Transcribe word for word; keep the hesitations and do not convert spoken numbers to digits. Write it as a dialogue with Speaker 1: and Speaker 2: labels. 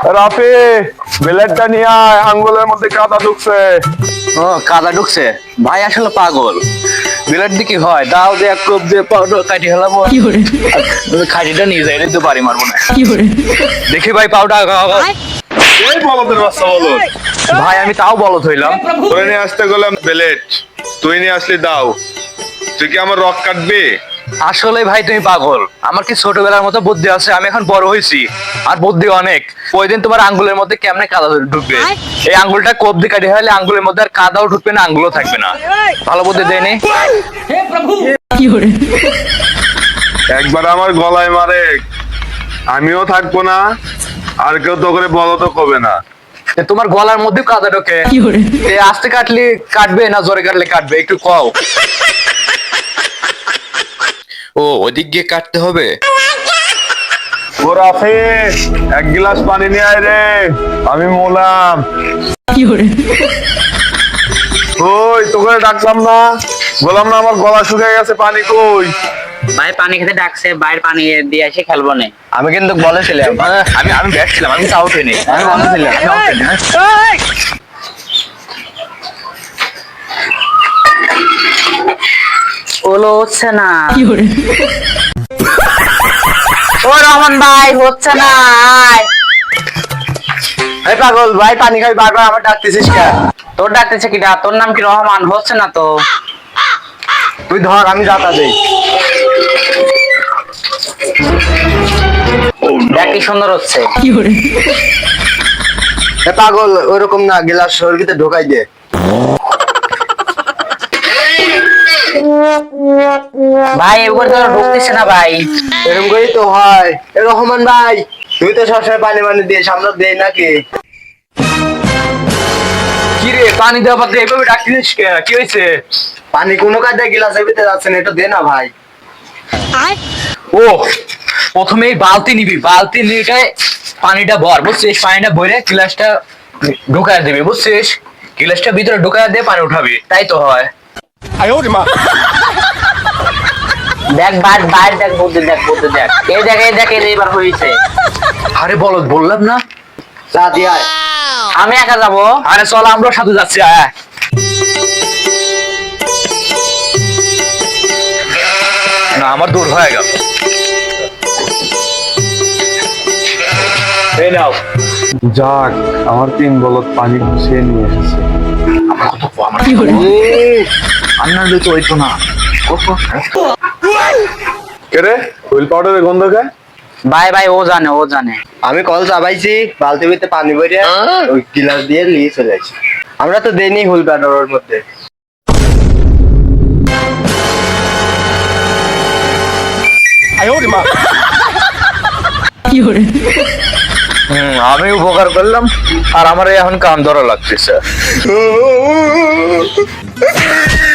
Speaker 1: রাফি, ব্লেডটা নিয়ে আয়, আঙ্গুলের মধ্যে কাদা ঢুকছে।
Speaker 2: ও কাদা ঢুকছে ভাই, আসলে পাগল। বিলেট দিয়ে কি হয়, দাও দিয়ে এক কোপ দিয়ে পাউডার কাটি হেলাবো, খাটিটা নিয়ে যাই দিতে পারি, মারবো না। দেখি ভাই পাউডার
Speaker 1: এই বলদের বাচ্চা বলদ।
Speaker 2: ভাই, আমি তাও বলত হইলাম।
Speaker 1: তোরে নিয়ে আসতে গেলাম ব্লেড, তুই নিয়ে আসলি দাও। তুই কি আমার রক কাটবি?
Speaker 2: আসলে ভাই তুমি পাগল, আমার কি ছোটবেলার মতো বুদ্ধি আছে? আমি এখন বড় হয়েছি, আর বুদ্ধি অনেক। ওই দিন তোমার আঙ্গুলের মধ্যে কেমনে কাদা ঢুকবে, এই আঙ্গুলটা কোপ দিয়ে কাটি হলে আঙ্গুলের মধ্যে আর কাদাও ঢুকবে না, আঙ্গুলও থাকবে না। ভালো বুদ্ধি দেয়নি।
Speaker 1: একবার আমার গলায় মারে, আমিও থাকবো না, আর কেউ তো করে বলো তো কবে না।
Speaker 2: এ তোমার গলার মধ্যে কাদা ঢোকে, এ আস্তে কাটলে কাটবে না জোরে কাটলে কাটবে, একটু কও। ও ওদিক গিয়ে কাটতে হবে।
Speaker 1: ও রাফি, এক গ্লাস পানি নিয়ে আয় রে, আমি মোলাম। ওই তোকে ডাকলাম না, বললাম না আমার গলা শুকিয়ে গেছে, পানি কই?
Speaker 3: ভাই পানি খেতে ডাকছে, বাইরে পানি দিয়ে এসে খেলবো না।
Speaker 2: আমি কিন্তু বলেছিলাম, আমি আমি ব্যাট ছিলাম, আমি আউট হইনি, আমি বলেছিলাম আমি out হইনি, হ্যাঁ।
Speaker 3: ওলো হচ্ছে না। ও রহমান ভাই, হচ্ছে না। আয়।
Speaker 2: এই পাগল ভাই, পানি খাই বারবার আমার ডাকতেছিস কেন?
Speaker 3: তোর ডাকতেছে কিটা? তোর নাম কি রহমান? হচ্ছে না তো।
Speaker 2: তুই ধর, আমি যাতা দেই।
Speaker 3: দেখ কি সুন্দর হচ্ছে।
Speaker 2: এ পাগল, ওইরকম না, গ্লাস শরীরে ঢোকাই দে।
Speaker 3: ভাই এবার তো ঢুকতেছে না ভাই।
Speaker 2: এরকম করেই তো হয়। এ রহমান ভাই, তুই তো সবসময় পানি পানি দিয়ে সামনে দেই নাকি? কি রে, পানি দেওয়া পাত্রে এভাবে ডাকছিস কেন? কি হয়েছে? পানি কোনো কাজে গ্লাসের ভিতরে যাচ্ছে না, এটা দে না ভাই। ও প্রথমে এই বালতি নিবি, বালতি নিয়ে পানিটা ভর, বুঝছিস? পানিটা ভরে গ্লাসটা ঢুকায় দিবি, বুঝছিস? গ্লাসটা ভিতরে ঢুকায় দিয়ে পানি উঠাবি, তাই তো হয়।
Speaker 3: দেখ বাইর বাইর দেখ, বুদ্ধি দেখ, বুদ্ধি দেখ। এই দেখ, এই দেখ, এই এবার হয়েছে।
Speaker 2: আরে বলদ, বললাম না যা দিয়ে আয়।
Speaker 3: আমি একা যাবো?
Speaker 2: আরে চল, আমরা সাথে যাচ্ছি, আয়। না, আমার দূর হয়ে গেল। এই নাও।
Speaker 1: যাক, আমার তিন বলদ পানি গুছিয়ে নিয়ে এসেছে।
Speaker 2: আন্নার তো হইতো না।
Speaker 1: কেরে হুইল পাউডারের গন্ধ খায়?
Speaker 3: ভাই ভাই, ও জানে, ও জানে।
Speaker 2: আমি কল চাবাইছি, বালতি ভিতরে পানি ভরে ওই গিলাস দিয়ে নিয়ে চলে আসি। আমরা তো দেইনি হুইল পাউডারের মধ্যে। হম, আমি উপকার করলাম, আর আমার এখন কান ধরা লাগতেছে।